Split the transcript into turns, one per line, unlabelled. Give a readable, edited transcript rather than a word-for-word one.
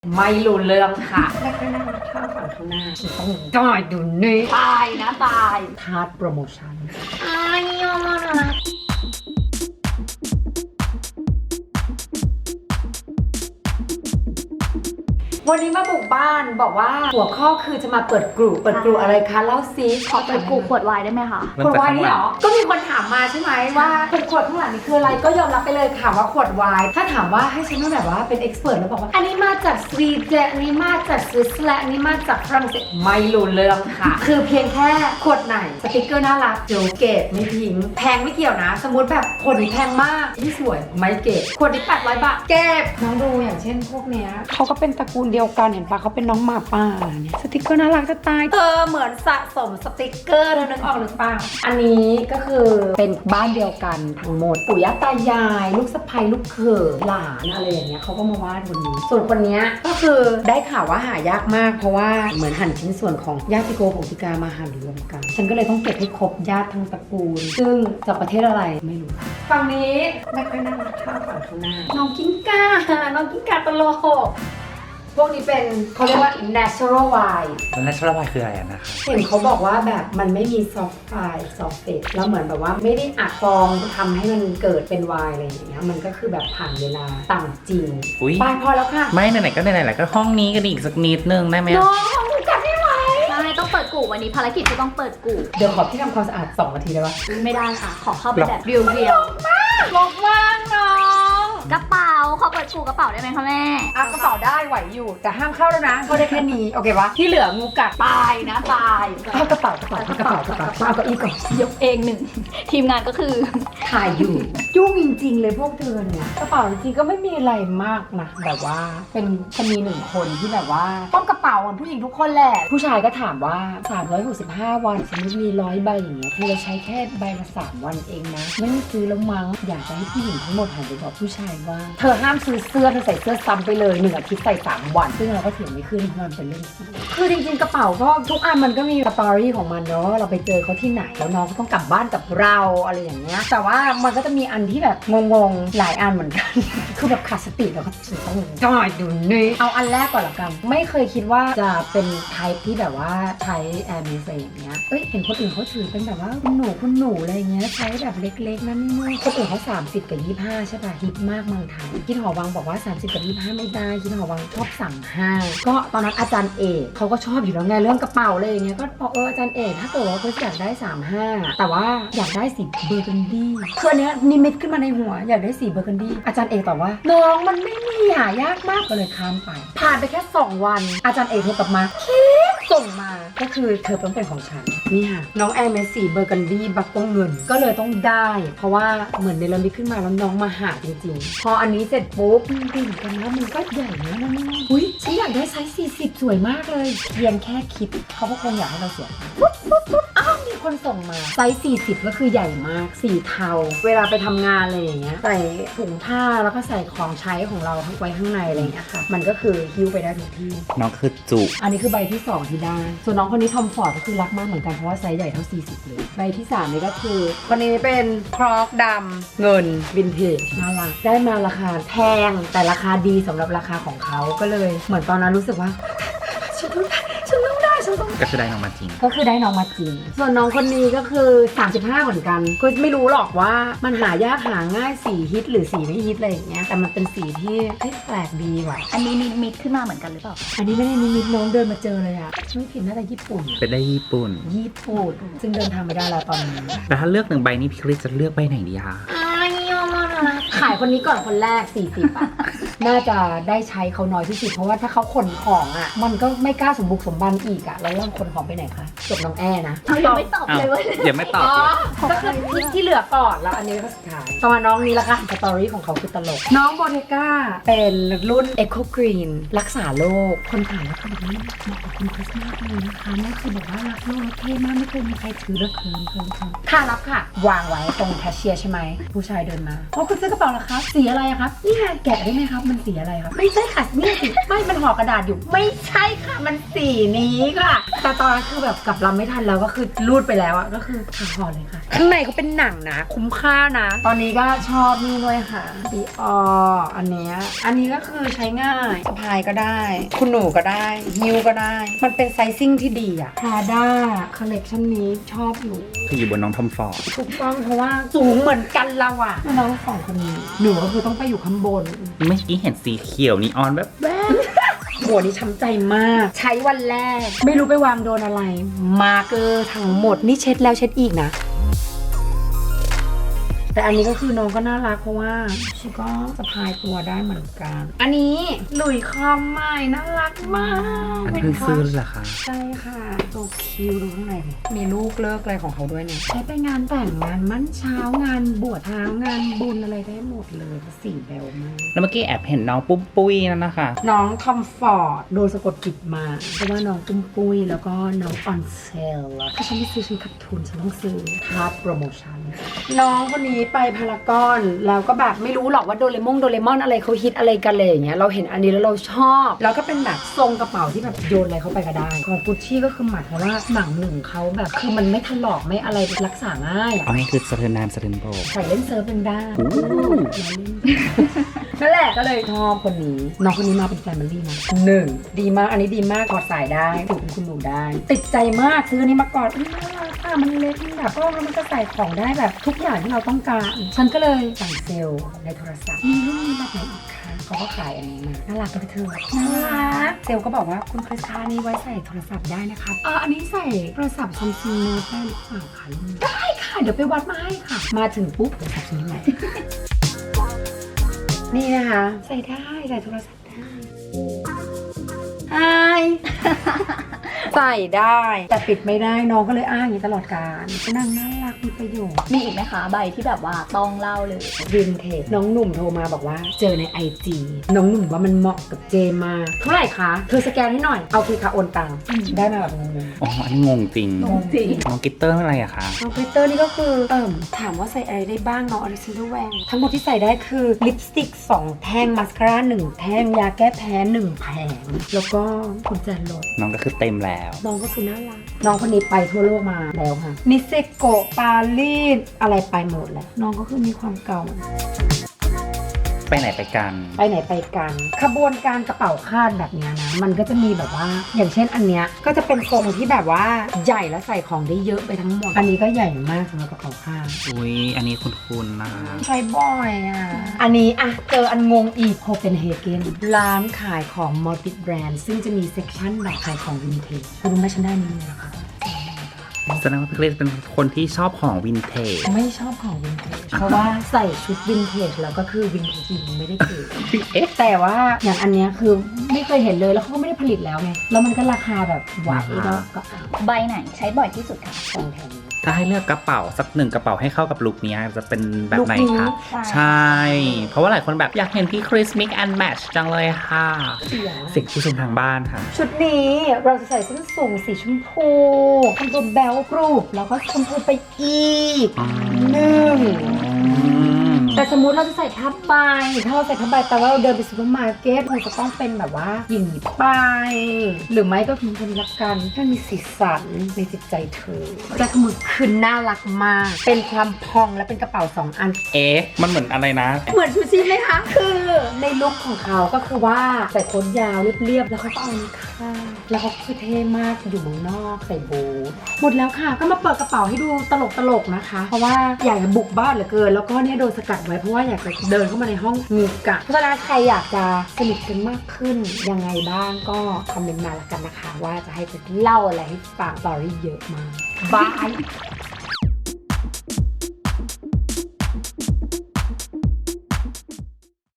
ไม่รู้เรื่องค่ะแค่นั่งข้าวฝั่งข้างหน้าฉันต้องจ่ายดูนี่ตายนะตายทาร์ดโปรโมชั่นอ้ายวันนี้มาบุกบ้านบอกว่าหัวข้อคือจะมาเปิดกลุ่มอะไรคะเล่าซิ
ขอเปิดกลุ่มขวดไวน์ได้ไหมคะ
ขวดไวน์นี่เหรอก็มีคนถามมาใช่ไหมว่าขวดข้างหลังนี่คืออะไรก็ยอมรับไปเลยค่ะว่าขวดไวน์ถ้าถามว่าให้ฉันต้องแบบว่าเป็นเอ็กซ์เพรสแล้วบอกว่าอันนี้มาจากสวีเดนอันนี้มาจากสวิตเซอร์แลนด์อันนี้มาจากฝรั่งเศสไม่รู้เรื่องค่ะคือเพียงแค่ขวดไหนสติ๊กเกอร์น่ารักเดี๋ยวเก็บไม่ทิ้งแพงไม่เกี่ยวนะสมมติแบบขวดนี้แพงมากที่สวยไม่เก็บขวดนี้800 บาทเก็บน้องดูอย่างเช่นพวกเนี้ยเขาก็เป็นตระกูลเดียวกันเห็นปะเขาเป็นน้องหมาป่าเนี่ยสติ๊กเกอร์น่ารักจะตายเหมือนสะสมสติ๊กเกอร์นึกออกหรือเปล่าอันนี้ก็คือเป็นบ้านเดียวกันทั้งหมดปู่ย่าตายายลูกสะใภ้ลูกเขยหลานอะไรอย่างเงี้ยเขาก็มาวาดบนนี้ส่วนคนนี้ก็คือได้ข่าวว่าหายากมากเพราะว่าเหมือนหั่นชิ้นส่วนของญาติโกของติกามาหั่นรวมกันฉันก็เลยต้องเก็บให้ครบญาติทั้งตระกูลซึ่งจากประเทศอะไรไม่รู้ฝั่งนี้ไม่ค่อยนั่งข้าวฝั่งข้างหน้าน้องกิ้งก่าตลกพวกนี้เป็นเขาเรียกว่า natural wine
แล้ว natural wine คืออะไรนะคะ
เห็นเขาบอกว่าแบบมันไม่มี soft fate แล้วเหมือนแบบว่าไม่ได้อัดฟองทำให้มันเกิดเป็นไวน์อะไรอย่างเงี้ยมันก็คือแบบผ่านเวลาต่างจริงไปพอแล้วค่ะ
ไม่ไหนๆก็ไหนๆแหละก็ห้องนี้กันอีกสักนิดนึงได้ไหม
น้องห้องนี้จัดได้ไหม
ใช่ต้องเปิดกลุ่มวันนี้ภารกิจก็ต้องเปิดกลุ่ม
เดี๋ยวขอพี่ทำความสะอาด2 นาทีได้ปะ
ไม่ได้ค่ะขอเข้าไปแบบเรียว
บอกว่างน้อง
กระเป๋าขอเปิดกลุ่มกระเป๋าได้ไหมคะแม่
กระเป๋าได้ไหวอยู่แต่ห้ามเข้าแล้วนะเข้าได้แค่นี้โอเคปะที่เหลืองูกัดตายนะตายเอากระเป๋ามาเอาเก้าอี้ก่อน
ยกเอง1ทีมงานก็คือ
ถ่ายอยู่ยุ่งจริงๆเลยพวกเธอเนี่ยกระเป๋าจริงๆก็ไม่มีอะไรมากนะแบบว่าเป็นจะมี1 คนที่แบบว่าต้องกระเป๋าเหมือนผู้หญิงทุกคนแหละผู้ชายก็ถามว่า365 วันสมมติมี100 ใบอย่างเงี้ยเธอจะใช้แค่ใบละ3 วันเองนะไม่ต้องซื้อแล้วมั้งอยากจะให้ผู้หญิงทั้งหมดหันไปบอกผู้ชายว่าเธอห้ามซื้อเสื้อเธอใส่เสื้อซ้ำไปเลย1 อาทิตย์ใส่3 วันซึ่งเราก็ถือไม่ขึ้นเพราะมันเป็นเรื่องคือจริงๆกระเป๋าก็ทุกอันมันก็มีสตอรี่ของมันเนาะเราไปเจอเขาที่ไหนแล้วน้องก็ต้องกลับบ้านกับเราอะไรอย่างเงี้ยแต่ว่ามันก็จะมีอันที่แบบงงๆหลายอันเหมือนกัน คือแบบขาดสติแล้วก็ต้องจ่ายดูนี่เอาอันแรกก่อนละกันไม่เคยคิดว่าจะเป็นไทป์ที่แบบว่าใช้แอร์เมสอย่างเงี้ยเห็นคนอื่นเขาถือเป็นแบบว่าคุณหนูอะไรเงี้ยใช้แบบเล็กๆนั่นนี่คนอื่นเขา30 กับ 25ใช่ป่ะฮิตมากเมืองไทยคิดหอวังบอกว่า30 กับ 25ไม่ได้คิดหอวังชอบสั่ง5ก็ตอนนั้นอาจารย์เอกเขาก็ชอบอยู่แล้วไงเรื่องกระเป๋าเลยอย่างเงี้ยก็บอกอาจารย์เอกถ้าเกิดว่าเขาอยากได้35แต่ว่าอยากได้สีเบอร์กันดี้คืออันเนี้ยนิมิตขึ้นมาในหัวอยากได้สีเบอร์กันดี้อาจารย์เอกตอบว่าน้องมันไม่มีหายากมากก็เลยข้ามไปผ่านไปแค่2 วันอาจารย์เอกโทรกลับมาส่งมาก็คือเธอต้องเป็นของฉันนี่ค่ะน้องแอร์เมสสีเบอร์กันดี้บักต้องเงินก็เลยต้องได้เพราะว่าเหมือนเนรมิตขึ้นมาแล้วน้องมาหาจริงๆพออันนี้เสร็จปุ๊บดีกันนะมันก็ใหญ่นะนั่นอุ้ยฉันอยากได้ไซส์40สวยมากเลยเพียงแค่คิดเขาก็คงอยากให้เราเสียอ้าวมีคนส่งมาไซส์40ก็คือใหญ่มากสีเทาเวลาไปทำงานอะไรอย่างเงี้ยใส่ถุงผ้าแล้วก็ใส่ของใช้ของเราไว้ข้างในอะไรอย่างเงี้ยค่ะมันก็คือฮิ้วไปได้ทุกที่
น้องคือจุ
อันนี้คือใบที่2ที่ได้ส่วนน้องคนนี้ทอมฟอร์ดก็คือรักมากเหมือนกันเพราะว่าไซส์ใหญ่เท่า40เลยใบที่3นี่ก็คือคนนี้เป็นครอกดำเงินวินเทจน่ารักได้มาราคาแพงแต่ราคาดีสำหรับราคาของเขาก็เลยเหมือนตอนนั้นรู้สึกว่าฉันต้องได้
ก็คือได้น้องมาจริง
ส่วนน้องคนนี้ก็คือ35เหมือนกันก็ไม่รู้หรอกว่ามันหายากหาง่ายสีฮิตหรือสีไม่ฮิตอะไรอย่างเงี้ยแต่มันเป็นสีที่แปลกดีว่ะ
อันนี้นิมิตขึ้นมาเหมือนกันหรือเปล่า
อันนี้ไม่ได้นิมิตน้องเดินมาเจอเลยอะไม่ผิดน่าจะญี่ปุ่น
เป็นได้ญี่ปุ่น
ซึ่งเดินทางไม่ได้แล้วตอนนี้
แต่ถ้าเลือก1 ใบนี้พี่คริสจะเลือกใบไหนดีคะ
ขายคนนี้ก่อนคนแรก40อะน่าจะได้ใช้เขาน้อยที่สุดเพราะว่าถ้าเขาขนของอะมันก็ไม่กล้าสมบุกสมบันอีกอะแล้วเราขนของไปไหนคะจบน้องแอนะ
ยังไม่ตอบเลยว่า
ยังไม่ตอบ
ก็คือที่เหลือก่อนแล้วอันนี้ก็สุดท้ายต่อมาน้องนี้ละค่ะสตอรี่ของเขาคือตลกน้องโบเทก้าเป็นรุ่น Eco Green รักษาโลกคนขายแล้วก็บอกว่าเหมาะกับคุณคริสมากเลยนะคะนี่คือแบบว่ารักโลกเท่มากไม่เคยมีใครถือแล้วเคินค่ะรับค่ะวางไว้ตรงแคชเชียร์ใช่ไหมผู้ชายเดินมาคุณซื้อกระเป๋าเหรอครับสีอะไรอะครับนี่ไงแกะได้ไหมครับมันสีอะไรครับไม่ใช่ค่ะนี่สิไม่มันห่อกระดาษอยู่ไม่ใช่ค่ะมันสีนี้ค่ะแต่ตอนนั้นคือแบบกลับลำไม่ทันแล้วก็คือรูดไปแล้วอะก็คือขาห่อเลยค่ะข้างในเขาเป็นหนังนะคุ้มค่านะตอนนี้ก็ชอบนี่ด้วยค่ะดีอออันนี้ก็คือใช้ง่ายสะพายก็ได้คุณหนูก็ได้ฮิ้วก็ได้มันเป็นไซซิ่งที่ดีอะพราด้าคอลเลกชันนี้ชอบอยู่
คืออยู่บนน้องทอมฟอร์ด
ถูกต้องเพราะว่าสูงเหมือนกันเราอะน้องสองคนนี้หนูก็คือต้องไปอยู่ข้างบน
เมื่อกี้เห็นสีเขียวนีออนแบบ
หัวนี้ช้ำใจมาก ใช้วันแรก ไม่รู้ไปวางโดนอะไร มาร์เกอร์ทั้งหมดนี่เช็ดแล้วเช็ดอีกนะ แต่อันนี้ก็คือน้องก็น่ารักเพราะว่าชิก็สะพายตัวได้เหมือนกัน อันนี้หลุยคอมใหม่น่ารักมาก
อันนี้เพิ่งซื้อเลยเหรอคะ
ใช่ค่ะตัวคิวดูข้างในดิมีลูกเลิกอะไรของเขาด้วยเนี่ยใช้ไปงานแต่งงานมั่นเช้างานบวชเช้างานบุญอะไรได้หมดเลยสีแบวมาก
แล้วเมื่อกี้แอบเห็นน้องปุ้มปุ้ยนั่นนะคะ
น้องทอมฟอร์ดโดนสะกดจิตมาเพราะว่าน้องตุ้มปุ้ยแล้วก็น้องออนเซลถ้าฉันไม่ซื้อฉันขาดทุนฉันต้องซื้อค่าโปรโมชั่นน้องคนนี้ไปพารากอนแล้วก็แบบไม่รู้หรอกว่าโดเรมอนอะไรเขาฮิตอะไรกันเลยอย่างเงี้ยเราเห็นอันนี้แล้วเราชอบแล้วก็เป็นแบบทรงกระเป๋าที่แบบโยนอะไรเข้าไปก็ได้ของกุชชี่ก็คือหมายความว่าหนังหนึ่งเขาแบบคือมันไม่ถลอกไม่อะไรรักษาง่ายอะ
เอาง่ายคือสะเทินน้ำสะเทินโบก
ใส่เล่นเซิร์ฟเป็นได้นั่นแหละก็เลยชอบคนนี้น้องคนนี้มาเป็นแฟมิลี่นะ1ดีมากอันนี้ดีมากกอดสายได้ถูกคุณหนูได้ ติดใจมากซื้ออันนี้มาก่อนน่ารักค่ะมันเล็กมันแบบก็มันจะใส่ของได้แบบทุกอย่างที่เราต้องการฉันก็เลยสั่งเซลล์ในโทรศัพท์มีรุ่นนี้แบบไหนอีกคะเขาก็ขายอันนี้มาน่ารักกับเธอน่ารักเซลล์ก็บอกว่าคุณคริสค่านี้ไว้ใส่โทรศัพท์ได้นะครับอันนี้ใส่โทรศัพท์ซัมซุงโน้ตได้หรือเปล่าคะได้ค่ะเดี๋ยวไปวัดมาให้ค่ะมาถึงปุ๊บโทรศัพท์นี้ใหม่ นี่นะคะใส่ได้ใส่โทรศัพท์ได้ใส่ได้แต่ปิดไม่ได้น้องก็เลยอ้างอย่างนี้ตลอดการนางน่ารักมีประโยชน์
มีอีกไหมคะใบที่แบบว่าต้องเล่าเลย
วินเทจน้องหนุ่มโทรมาบอกว่าเจอใน IG น้องหนุ่มว่ามันเหมาะกับเจมากเท่าไหร่คะเธอสแกนให้หน่อยเอาคือค่ะโอนตังค์ได้มาแบบงง
อ๋อ อันนี้งงจริง
งงจริง
น้องกิตเตอร์อะไรอะคะ
น้องกริตเตอร์นี่ก็คือถามว่าใส่อะไรได้บ้างน้องอลิซินเดอร์แวงทั้งหมดที่ใส่ได้คือลิปสติก2แท่งมาสคาร่า1แท่งยาแก้แพ้1แผงแล้วก็กุญแจรถ
น้องก็คือเต็มแล้ว
น้องก็คือน่ารักน้องคนนี้ไปทั่วโลกมาแล้วค่ะนิเซโกะปารีสอะไรไปหมดแล้วน้องก็คือมีความเก่า
ไปไหนไปกัน
ไปไหนไปกันขบวนการกระเป๋าคาดแบบเนี้ยนะมันก็จะมีแบบว่าอย่างเช่นอันเนี้ยก็จะเป็นทรงที่แบบว่าใหญ่แล้วใส่ของได้เยอะไปทั้งหมดอันนี้ก็ใหญ่มากสำหรับกระเป๋าคาด
อุ้ย อันนี้คุ้นๆนะคะ
ใช้บ่อยอ่ะอันนี้อ่ะเจออันงงอีกโคเปนเฮเกนร้านขายของมัลติแบรนด์ซึ่งจะมีเซกชันแบบขายของวินเทจคุณรู้ไหมฉันได้นี่นะคะ
แสดงว่าพี่คริสเป็นคนที่ชอบของวินเทจ
ไม่ชอบของวินเทจเพราะว่าใส่ชุดวินเทจแล้วก็คือวินเทจจริงไม่ได้เก๋
เอ๊ะ
แต่ว่าอย่างอันเนี้ยคือไม่เคยเห็นเลยแล้วเขาก็ไม่ได้ผลิตแล้วไงแล้วมันก็ราคาแบบไหวก็เอา
ใบไหนใช้บ่อยที่สุดคะ
สองแถม
ถ้าให้เลือกกระเป๋าสักหนึ่งกระเป๋าให้เข้ากับลุคนี้จะเป็นแบบไหน
ลุคนี้
คะ ใช่ เพราะว่าหลายคนแบบอยากเห็นพี่คริส mix and match จังเลยค่ะ
เสียง
สิ่งผู้ชมทางบ้านค่ะ
ชุดนี้เราจะใส่ส้นสูงสีชมพูทำตัวแบลกรูปแล้วก็ชมพูไปอีก
อ๋อ
หนึ่งแต่สมมติเราจะใส่ผ้าใบถ้าเราใส่ผ้าใบแต่ว่าเราเดินไปซูเปอร์มาร์เก็ตมันจะต้องเป็นแบบว่าอย่างนี้ไปหรือไม่ก็คือคนรักกันถ้ามีสีสันในจิตใจเธอแต่ขมือคืนน่ารักมากเป็นความพองและเป็นกระเป๋า2อัน
เอ๊ะ มันเหมือนอะไรนะ
เหมือนชูชีพไหมคะ คือในลุคของเขาก็คือว่าใส่โค้ทยาวเรียบๆ แล้วเขาก็เอานี่ค่ะ แล้วเขาคือเท่มากอยู่เมืองนอกใส่บูทหมดแล้วค่ะ ก็มาเปิดกระเป๋าให้ดูตลกๆนะคะ เพราะว่าอยากจะบุกบ้านเหลือเกิน แล้วก็เนี่ยโดนสกัดไว้เพราะว่าอยากจะเดินเข้ามาในห้องมีกะเพราะฉะนั้นใครอยากจะสนิทกันมากขึ้นยังไงบ้างก็คอมเมนต์มาแล้วกันนะคะ ว่าจะให้จะเล่าอะไรให้ฟังสตอรี่เยอะมากบาย